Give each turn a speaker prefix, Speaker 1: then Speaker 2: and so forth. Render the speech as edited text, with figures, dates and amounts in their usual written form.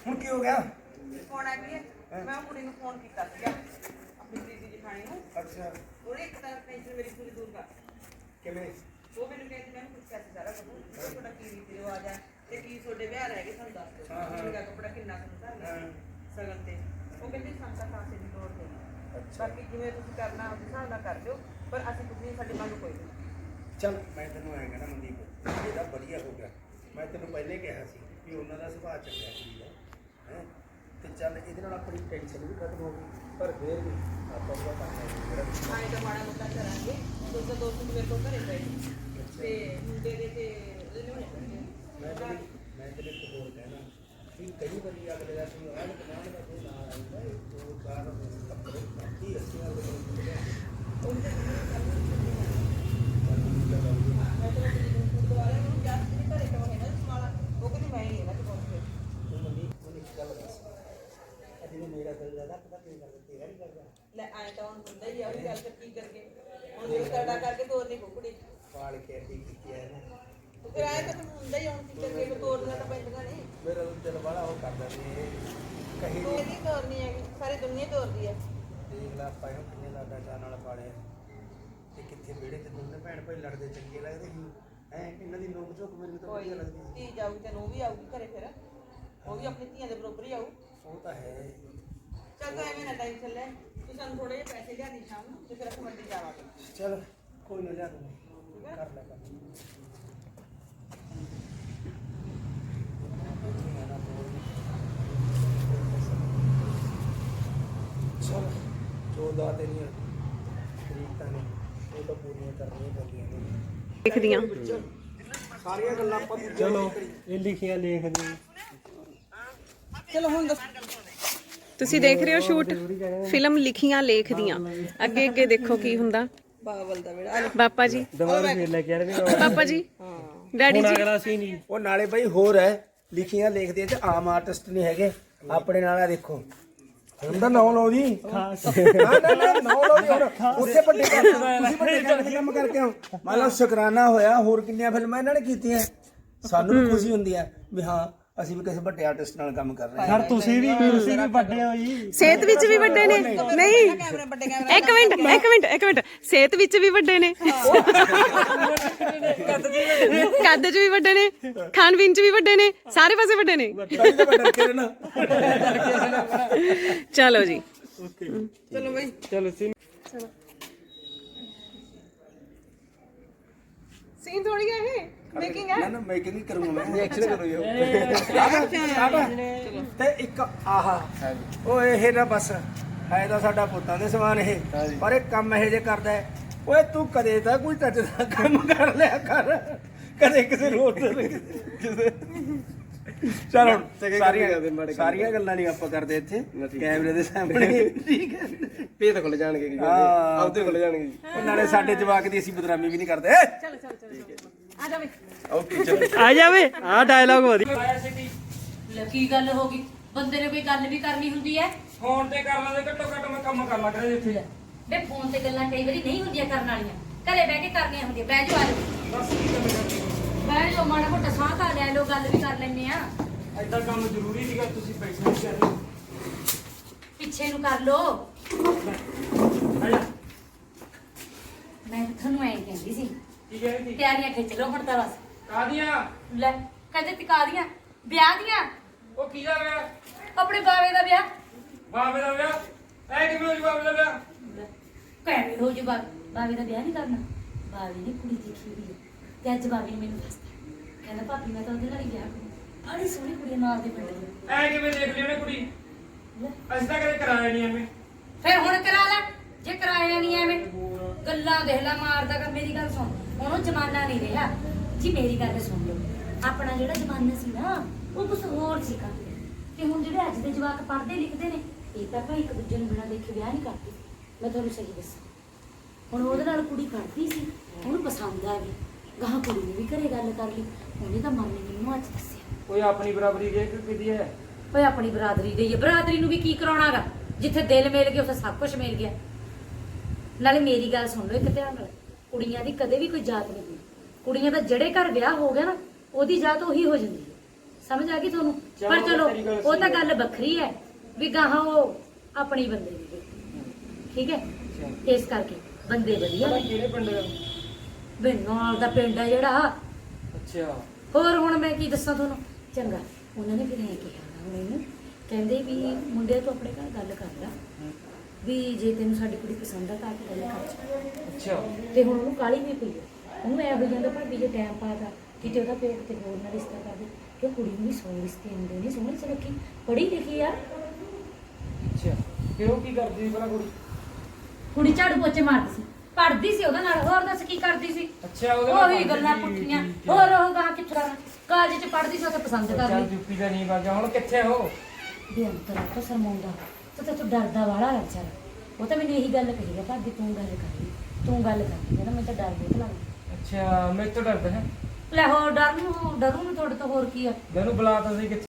Speaker 1: ਹੁਣ ਕੀ ਹੋ ਗਿਆ?
Speaker 2: ਫੋਨ ਆ ਗਿਆ ਮੈਂ ਕੁੜੀ ਨੂੰ ਫੋਨ ਕੀਤਾ ਸੀਗਾ ਆਪਣੀ ਦੀਦੀ ਜਠਾਣੀ ਨੂੰ।
Speaker 1: ਅੱਛਾ
Speaker 2: ਉਹਨੇ ਇੱਕ ਤਾਂ ਟੈਨਸ਼ਨ ਮੇਰੀ ਪੂਰੀ ਦੂਰ ਕਰ
Speaker 1: ਕਿਵੇਂ?
Speaker 2: ਉਹ ਮੈਨੂੰ ਕਹਿੰਦੀ ਮੈਂ ਪੁੱਛਿਆ ਸੀ ਸਾਰਾ ਕੁਝ ਤੁਹਾਡਾ ਕੀ ਰੀਤੀ ਰਿਵਾਜ ਆ ਤੇ ਕੀ ਤੁਹਾਡੇ ਵਿਆਹ ਰਹਿ ਗਏ ਸਾਨੂੰ ਦੱਸ ਦਿਓ। ਮੇਰਾ ਕੱਪੜਾ ਕਿੰਨਾ ਕੁ ਧਰਨਾ ਸਗਨ ਤੇ ਉਹ ਕਹਿੰਦੀ ਸੰਤਾ ਖਾਸੇ ਦੀ ਲੋੜ ਨਹੀਂ। ਬਾਕੀ ਜਿਵੇਂ ਤੁਸੀਂ ਕਰਨਾ ਉਸ ਹਿਸਾਬ ਨਾਲ ਕਰ ਦਿਓ ਪਰ ਅਸੀਂ ਤੁਸੀਂ ਸਾਡੀ ਮੰਗ ਕੋਈ ਨਹੀਂ।
Speaker 1: ਚੱਲ ਮੈਂ ਤੈਨੂੰ ਐਂ ਕਹਿਣਾ ਮਨਦੀਪ ਇਹਦਾ ਵਧੀਆ ਹੋ ਗਿਆ। ਮੈਂ ਤੈਨੂੰ ਪਹਿਲੇ ਕਿਹਾ ਸੀ ਵੀ ਉਹਨਾਂ ਦਾ ਸੁਭਾਅ ਚੰਗਾ ਸੀ ਹੈ ਤੇ ਚੱਲ ਇਹਦੇ ਨਾਲ ਆਪਣੀ ਟੈਨਸ਼ਨ ਵੀ ਖਤਮ ਹੋ ਗਈ ਪਰ ਫੇਰ ਵੀ ਆਪਾਂ ਉਹਦਾ ਕੰਮ ਜਿਹੜਾ
Speaker 2: ਆਏ ਤਾਂ ਮਾੜਾ ਮੋਟਾ ਕਰਾਂਗੇ। ਦੋਸਤ ਦੋਸਤ ਮੇਰੇ ਕੋਲ ਘਰੇ ਪਏ ਤੇ ਮੁੰਡੇ ਦੇ ਤੇ ਉਹਦੇ ਨੇ
Speaker 1: ਮੈਂ ਤੇਰੇ ਇੱਕ ਹੋਰ ਕਹਿਣਾ ਵੀ ਕਈ ਵਾਰੀ ਅਗਲੇ ਦਾ ਕੋਈ ਆਹ ਕਮਾਂਡ ਦਾ ਕੋਈ ਨਾ ਆਉਂਦਾ ਇਹ ਦੋ ਚਾਰ ਕੱਪੜੇ ਬਾਕੀ ਅਸੀਂ ਨਾਲ ਦੇ
Speaker 2: ਉਹਦੇ ਮੈਂ ਤਾਂ ਗੁਰਦੁਆਰੇ ਨੂੰ ਜਾ ਕੇ ਘਰੇ ਤੋਂ ਹੈ ਨਾ ਸਮਾਲਾ ਉਹ ਕਹਿੰਦੀ ਮੈਂ ਹੀ ਇਹਨਾਂ ਚ ਪਹੁੰਚ ਗਈ।
Speaker 1: ਤੂੰ ਮਨਦੀਪ ਨੂੰ ਇੱਕ ਗੱਲ ਦੱਸ ਅਜੇ ਮੇਰਾ ਦਿਲ ਜ਼ਿਆਦਾ ਪਤਾ ਕੀ ਗੱਲ ਤੇਰਾ ਨਹੀਂ ਕਰਦਾ
Speaker 2: ਲੈ ਆਏ ਤਾਂ ਹੁਣ ਹੁੰਦਾ ਹੀ ਆ ਉਹ ਗੱਲ ਕੀ ਕਰਕੇ ਹੁਣ ਇਹ ਕਰਦਾ ਕਰਕੇ ਤੋਰ ਨਹੀਂ ਕੁੜੀ
Speaker 1: ਪਾਲ ਕੇ ਅੱਡੀ ਕੀਤੀ ਹੈ ਨਾ
Speaker 2: ਉਹ ਕਿਰਾਏ ਤਾਂ ਹੁੰਦਾ ਹੀ ਹੁਣ ਕੀ ਕਰਕੇ ਤੋਰਨਾ ਤਾਂ ਪੈਂਦਾ ਨਹੀਂ।
Speaker 1: ਮੇਰਾ ਦਿਲ ਬੜਾ ਉਹ ਕਰਦਾ ਸੀ ਕਹੀ
Speaker 2: ਕੋਈ ਨਹੀਂ ਤੋਰਨੀ ਹੈਗੀ ਸਾਰੀ ਦੁਨੀਆ ਤੋਰਦੀ ਹੈ।
Speaker 1: ਦੇਖ ਲਾ ਆਪਾਂ ਇਹਨੂੰ ਕਿੰਨੇ ਲਾਡਾ ਚਾਹ ਨਾਲ ਪਾਲਿਆ ਤੇ ਕਿੱਥੇ ਵਿਹੜੇ ਤੇ ਦੋਨੇ ਭੈਣ ਭਾਈ ਲੜਦੇ ਚੰਗੇ ਲੱਗਦੇ ਸੀ ਇਹਨਾਂ ਦੀ ਨੋਕ ਝੋਕ ਮੈਨੂੰ ਤਾਂ ਵਧੀਆ ਲੱਗਦੀ ਸੀ।
Speaker 2: ਧੀ ਜਾਊਗੀ ਤੇ ਨੂੰ ਵੀ ਆਊਗੀ ਘਰੇ ਫਿਰ ਉਹ ਵੀ ਆਪਣੀ ਧੀਆਂ ਦੇ ਬਰੋਬਰ ਹੀ ਆਊ।
Speaker 1: ਉਹ ਤਾਂ ਹੈ
Speaker 2: ਚੱਲ ਤੂੰ ਐਵੇਂ ਨਾ ਟੈਨਸ਼ਨ ਲੈ ਤੂੰ ਸਾਨੂੰ ਥੋੜੇ ਜਿਹੇ ਪੈਸੇ ਲਿਆ ਦੀ ਸ਼ਾਮ ਨੂੰ ਤੇ ਫਿਰ ਅਸੀਂ ਮੰਡੀ ਜਾਵਾਂਗੇ।
Speaker 1: ਚਲ ਕੋਈ ਨਾ ਲਿਆ ਦੂੰਗਾ ਕਰ ਲੈ ਕੰਮ ਚਲ 14 ਤੇਰੀਆਂ ਤਰੀਕਾਂ ਨੇ ਉਹ ਤਾਂ ਪੂਰੀਆਂ ਕਰਨੀਆਂ ਪੈਂਦੀਆਂ ਨੇ
Speaker 3: ਲਿਖਦੀਆਂ
Speaker 1: ਸਾਰੀਆਂ ਗੱਲਾਂ ਆਪਾਂ
Speaker 4: ਚਲੋ ਇਹ ਲਿਖਿਆ ਲਿਖਦੇ
Speaker 2: ਚਲੋ ਹੁਣ ਦੱਸ
Speaker 3: ਤੁਸੀਂ ਦੇਖ ਰਹੇ ਹੋ ਸ਼ੂਟ ਫਿਲਮ ਲਿਖੀਆਂ ਲੇਖਦੀਆਂ ਅੱਗੇ ਅੱਗੇ ਦੇਖੋ ਕੀ ਹੁੰਦਾ।
Speaker 2: ਬਾਬਲ ਦਾ ਬੇੜਾ
Speaker 3: ਪਾਪਾ ਜੀ
Speaker 4: ਦੁਬਾਰਾ ਫੇਰ ਲੈ ਕੇ ਆ ਰਹੇ
Speaker 3: ਪਾਪਾ ਜੀ ਡੈਡੀ ਜੀ
Speaker 4: ਅਗਲਾ ਸੀ ਨਹੀਂ
Speaker 1: ਉਹ ਨਾਲੇ ਬਈ ਹੋਰ ਹੈ ਲਿਖੀਆਂ ਲਿਖਦੇ ਚ ਆਮ ਆਰਟਿਸਟ ਨਹੀਂ ਹੈਗੇ ਆਪਣੇ ਨਾਲ ਆ ਦੇਖੋ ਹੁਣ ਤਾਂ ਨਾਮ ਲਓ ਜੀ ਨਾ ਨਾਮ ਲਓ ਜੀ ਹੁਣ ਉੱਥੇ ਵੱਡੇ ਤੁਸੀਂ ਵੱਡੇ ਕੰਮ ਕਰਕੇ ਆਓ ਮੰਨ ਲਓ ਸ਼ੁਕਰਾਨਾ ਹੋਇਆ ਹੋਰ ਕਿੰਨੀਆਂ ਫਿਲਮਾਂ ਇਹਨਾਂ ਨੇ ਕੀਤੀਆਂ ਸਾਨੂੰ ਵੀ ਖੁਸ਼ੀ ਹੁੰਦੀ ਹੈ ਵੀ ਹਾਂ ਅਸੀਂ ਵੀ ਕਿਸੇ ਵੱਡੇ ਆਰਟਿਸਟ ਨਾਲ ਕੰਮ ਕਰ ਰਹੇ ਹਾਂ।
Speaker 4: ਸਰ ਤੁਸੀਂ ਵੀ ਵੱਡੇ ਹੋ ਜੀ
Speaker 3: ਸਿਹਤ ਵਿੱਚ ਵੀ ਵੱਡੇ ਨੇ ਨਹੀਂ ਇੱਕ ਮਿੰਟ ਸਿਹਤ ਵਿੱਚ ਵੀ ਵੱਡੇ ਨੇ ਕੱਦ 'ਚ ਵੀ ਵੱਡੇ ਨੇ ਖਾਣ ਪੀਣ 'ਚ ਵੀ ਵੱਡੇ ਨੇ ਸਾਰੇ ਪਾਸੇ ਵੱਡੇ ਨੇ ਚਲੋ ਜੀ
Speaker 2: ਚਲੋ ਬਈ
Speaker 4: ਚਲੋ ਸੀ
Speaker 3: ਸੀਨ ਥੋੜੀ ਹੈ ਇਹ ਮੇਕਿੰਗ ਹੈ
Speaker 1: ਨਾ ਮੇਕਿੰਗ ਹੀ ਕਰੂੰਗਾ ਮੈਂ ਐਕਸ਼ਨ ਕਰੂੰਗਾ ਤੇ ਇੱਕ ਆਹਾ ਓਏ ਇਹ ਨਾ ਬਸ ਹੈ ਤਾਂ ਸਾਡਾ ਪੁੱਤਾਂ ਦੇ ਸਮਾਨ ਇਹ ਪਰ ਇਹ ਕੰਮ ਇਹ ਜੇ ਕਰਦਾ ਹੈ ਓਏ ਤੂੰ ਕਦੇ ਤਾਂ ਕੋਈ ਟੱਚ ਦਾ ਕੰਮ ਕਰ ਲਿਆ ਕਰ ਕਦੇ ਕਿਸੇ ਨੂੰ ਕਿਸੇ ਚਲ ਹੁਣ ਸਾਰੀਆਂ ਗੱਲਾਂ ਨਹੀਂ ਆਪਾਂ ਕਰਦੇ ਇੱਥੇ ਕੈਮਰੇ ਦੇ ਸਾਹਮਣੇ ਠੀਕ ਹੈ
Speaker 4: ਪੇਟ ਖੁੱਲ ਜਾਣਗੇ ਜੀ ਆਪਦੇ ਖੁੱਲ ਜਾਣਗੇ ਜੀ
Speaker 1: ਉਹ ਨਾਲੇ ਸਾਡੇ ਜਵਾਕ ਦੀ ਅਸੀਂ ਬਦਨਾਮੀ ਵੀ ਨਹੀਂ ਕਰਦੇ
Speaker 3: ਆ ਜਾ ਬਈ
Speaker 1: ਓਕੇ ਚਲੋ
Speaker 4: ਆ ਜਾਵੇ ਆ ਡਾਇਲੌਗ ਵਧੀਆ
Speaker 5: ਕੀ ਗੱਲ ਹੋ ਗਈ ਬੰਦੇ ਨੇ ਕੋਈ ਗੱਲ ਵੀ ਕਰਨੀ ਹੁੰਦੀ ਹੈ
Speaker 6: ਫੋਨ ਤੇ ਕਰ ਲਾਂਦੇ ਘੱਟੋ ਘੱਟ ਮੈਂ ਕੰਮ ਕਰ ਲਾ ਕਰੇ ਇੱਥੇ
Speaker 5: ਵੇ ਫੋਨ ਤੇ ਗੱਲਾਂ ਕਈ ਵਾਰੀ ਨਹੀਂ ਹੁੰਦੀਆਂ ਕਰਨ ਵਾਲੀਆਂ ਘਰੇ ਬਹਿ ਕੇ ਕਰਨੀਆਂ ਹੁੰਦੀਆਂ ਬਹਿ ਜਾਓ ਆ ਜਾਓ
Speaker 6: ਬਸ ਕੀ ਗੱਲ ਕਰਨੀ
Speaker 5: ਬਹਿ ਜਾਓ ਮਾੜਾ ਮੋਟਾ ਸਾਹ ਖਾ ਲੈ ਲੋ ਗੱਲ ਵੀ ਕਰ ਲੈਂਦੇ ਆ
Speaker 6: ਐਡਾ ਕੰਮ ਜ਼ਰੂਰੀ ਸੀਗਾ ਤੁਸੀਂ ਪੈਸੇ ਨਹੀਂ ਕਰ ਰਹੇ
Speaker 5: ਪਿੱਛੇ ਨੂੰ ਕਰ ਲੋ ਮੈਂ ਤੁਹਾਨੂੰ ਐਂ ਕਹਿੰਦੀ ਸੀ
Speaker 6: ਕੀ ਕਹਿ ਰਹੀ ਸੀ
Speaker 5: ਤਿਆਰੀਆਂ ਖਿੱਚ ਲੋ ਹੁਣ ਤਾਂ ਬਸ
Speaker 6: ਕਾਦੀਆਂ
Speaker 5: ਲੈ ਕਹਿੰਦੇ ਟਿਕਾ ਦੀਆਂ ਵਿਆਹ ਦੀਆਂ
Speaker 6: ਉਹ ਕੀ ਦਾ ਵਿਆਹ
Speaker 5: ਆਪਣੇ ਬਾਵੇ ਦਾ ਵਿਆਹ
Speaker 6: ਬਾਬੇ ਦਾ ਵਿਆਹ ਐ ਕਿਵੇਂ ਹੋ ਜੀ ਬਾਬੇ ਦਾ ਵਿਆਹ
Speaker 5: ਕਹਿ ਹੋ ਜੀ ਬਾਵੇ ਦਾ ਵਿਆਹ ਨਹੀਂ ਕਰਨਾ ਬਾਵੇ ਨੇ ਕੁੜੀ ਦੇਖੀ ਹੋਈ ਹੈ ਤੇ ਅੱਜ ਬਾਵੇ ਨੇ ਮੈਨੂੰ ਦੱਸਤਾ ਕਹਿੰਦਾ ਭਾਬੀ ਮੈਂ ਤਾਂ ਉਹਦੇ ਨਾਲ ਹੀ ਵਿਆਹ ਕਰੂੰ ਬੜੀ ਸੋਹਣੀ ਕੁੜੀ ਨਾਲ ਦੇ ਪਿੰਡ ਦੀ
Speaker 6: ਐ ਕਿਵੇਂ ਦੇਖ ਲਈ ਉਹਨੇ ਕੁੜੀ
Speaker 5: ਲੈ,
Speaker 6: ਅਸੀਂ ਤਾਂ ਕਦੇ ਕਰਾਇਆ ਨਹੀਂ ਐਵੇਂ
Speaker 5: ਫਿਰ ਹੁਣ ਕਰਾ ਲੈ ਜੇ ਕਰਾਇਆ ਨਹੀਂ ਐਵੇਂ ਗੱਲਾਂ ਦੇਖ ਲੈ ਮਾਰਦਾ ਕਰ ਮੇਰੀ ਗੱਲ ਸੁਣ ਹੁਣ ਉਹ ਜ਼ਮਾਨਾ ਨਹੀਂ ਰਿਹਾ ਜੀ ਮੇਰੀ ਗੱਲ ਸੁਣ ਲਓ ਆਪਣਾ ਜਿਹੜਾ ਜ਼ਮਾਨਾ ਸੀ ਨਾ ਉਹ ਕੁਝ ਹੋਰ ਸੀਗਾ ਤੇ ਹੁਣ ਜਿਹੜੇ ਅੱਜ ਦੇ ਜਵਾਕ ਪੜ੍ਹਦੇ ਲਿਖਦੇ ਨੇ ਇਹ ਤਾਂ ਭਾਈ ਇੱਕ ਦੂਜੇ ਨੂੰ ਬਿਨਾਂ ਦੇਖੇ ਵਿਆਹ ਨਹੀਂ ਕਰਦੇ ਮੈਂ ਤੁਹਾਨੂੰ ਸਹੀ ਦੱਸਾਂ ਹੁਣ ਉਹਦੇ ਨਾਲ ਕੁੜੀ ਪੜ੍ਹਦੀ ਸੀ ਉਹਨੂੰ ਪਸੰਦ ਆ ਗਈ ਗਾਹਾਂ ਕੁੜੀ ਨੇ ਵੀ ਘਰੇ ਗੱਲ ਕਰ ਲਈ ਉਹਨੇ ਤਾਂ ਮਨ ਨੇ ਮੈਨੂੰ ਅੱਜ ਦੱਸਿਆ
Speaker 6: ਕੋਈ ਆਪਣੀ ਬਰਾਬਰੀ ਜੇ ਕਿਦੀ ਹੈ
Speaker 5: ਓਏ ਆਪਣੀ ਬਰਾਦਰੀ ਗਈ ਹੈ ਬਰਾਦਰੀ ਨੂੰ ਵੀ ਕੀ ਕਰਾਉਣਾਗਾ ਜਿੱਥੇ ਦਿਲ ਮਿਲ ਗਿਆ ਉੱਥੇ ਸਭ ਕੁਝ ਮਿਲ ਗਿਆ ਨਾਲੇ ਮੇਰੀ ਗੱਲ ਸੁਣ ਲਓ ਇੱਕ ਧਿਆਨ ਨਾਲ ਕੁੜੀਆਂ ਦੀ ਕਦੇ ਵੀ ਕੋਈ ਜਾਤ ਨਹੀਂ ਹੁੰਦੀ ਕੁੜੀਆਂ ਦਾ ਜਿਹੜੇ ਘਰ ਵਿਆਹ ਹੋ ਗਿਆ ਨਾ ਉਹਦੀ ਜਾਤ ਉਹੀ ਹੋ ਜਾਂਦੀ ਹੈ ਸਮਝ ਆ ਗਈ ਤੁਹਾਨੂੰ ਪਰ ਚਲੋ ਉਹ ਤਾਂ ਗੱਲ ਵੱਖਰੀ ਹੈ ਵੀ ਗਾਹਾਂ ਉਹ ਆਪਣੀ ਬੰਦੇ ਦੀ ਠੀਕ ਹੈ ਇਸ ਕਰਕੇ ਬੰਦੇ ਵਧੀਆ ਨੇ।
Speaker 6: ਕਿਹੜੇ ਪਿੰਡ ਦਾ?
Speaker 5: ਬਿੰਨੋਲ ਦਾ ਪਿੰਡ ਹੈ ਜਿਹੜਾ।
Speaker 6: ਅੱਛਾ
Speaker 5: ਹੋਰ ਹੁਣ ਮੈਂ ਕੀ ਦੱਸਾਂ ਤੁਹਾਨੂੰ। ਚੰਗਾ ਉਹਨਾਂ ਨੇ ਫਿਰ ਐਂ ਕਿਹਾ ਹੁਣ ਇਹਨੂੰ ਕਹਿੰਦੇ ਵੀ ਮੁੰਡੇ ਤੂੰ ਆਪਣੇ ਘਰ ਗੱਲ ਕਰ ਲੈ ਵੀ ਜੇ ਤੈਨੂੰ ਸਾਡੀ ਕੁੜੀ ਪਸੰਦ ਆ ਤਾਂ ਆ ਕੇ ਗੱਲ ਕਰ ਜਾ।
Speaker 6: ਅੱਛਾ
Speaker 5: ਤੇ ਹੁਣ ਉਹਨੂੰ ਕਾਲੀ ਵੀ ਪਈ ਹੈ। ਉਹਨੂੰ ਐ ਹੋ ਜਾਂਦਾ ਭਾਬੀ ਜੇ ਟਾਈਮ ਪਾਦਾ ਕਿਤੇ ਉਹਦਾ ਪੇਟ ਤੇ ਹੋਰ ਨਾਲ ਰਿਸ਼ਤਾ ਕਰ ਦੇ ਕਿ ਕੁੜੀ ਨੂੰ ਵੀ 100 ਰਿਸ਼ਤੇ ਆਉਂਦੇ ਨੇ ਸੋਹਣੀ ਸੁਨੱਖੀ ਪੜ੍ਹੀ ਲਿਖੀ ਆ।
Speaker 6: ਅੱਛਾ ਫਿਰ ਉਹ ਕੀ ਕਰਦੀ ਸੀ ਭਲਾ ਕੁੜੀ?
Speaker 5: ਕੁੜੀ ਝਾੜੂ ਪੋਚੇ ਮਾਰਦੀ ਸੀ ਪੜ੍ਹਦੀ ਸੀ ਉਹਦੇ ਨਾਲ। ਹੋਰ ਦੱਸ ਕੀ ਕਰਦੀ ਸੀ?
Speaker 6: ਅੱਛਾ ਉਹਦੇ ਨਾਲ
Speaker 5: ਉਹੀ ਗੱਲਾਂ
Speaker 6: ਪੜ੍ਹਦੀ ਸੀ,
Speaker 5: ਪੁੱਠੀਆਂ।
Speaker 6: ਠੀਕ ਹੈ।
Speaker 5: ਹੋਰ ਉਹ ਗਾਂ ਕਿੱਥੇ ਕਰਾਂ ਕਾਲਜ ਚ ਪੜ੍ਹਦੀ ਸੀ ਉੱਥੇ ਪਸੰਦ ਕਰ
Speaker 6: ਚੱਲ
Speaker 5: ਲਈ
Speaker 6: ਯੂਪੀ ਦਾ ਨਹੀਂ ਵਾਜਾ ਹੁਣ ਕਿੱਥੇ ਹੋ?
Speaker 5: ਵੀ ਅੰਤਰਾ ਤੋਂ ਸ਼ਰਮਾਉਂਦਾ ਤੇ ਤੂੰ ਡਰਦਾ ਵਾਲਾ ਹੈ ਵਿਚਾਰਾ। ਉਹ ਤਾਂ ਮੈਨੂੰ ਇਹੀ ਗੱਲ ਕਹੀ ਹੈ ਭਾਬੀ ਤੂੰ ਗੱਲ ਕਰ ਲਈ ਤੂੰ ਗੱਲ ਕਰ ਲਈ ਕਹਿੰਦਾ ਮੈਂ ਤਾਂ ਡਰ ਬਹੁਤ ਲੱਗਦਾ।
Speaker 6: ਅੱਛਾ ਮੈਂ ਤੋਂ ਡਰਦਾ ਹੈ।
Speaker 5: ਲੈ ਹੋਰ ਡਰੂ ਨੂੰ ਤੁਹਾਡੇ ਤੋਂ ਹੋਰ ਕੀ ਆ।
Speaker 6: ਮੈਨੂੰ ਬੁਲਾ ਤਾਂ ਸੀ ਕਿੱਥੇ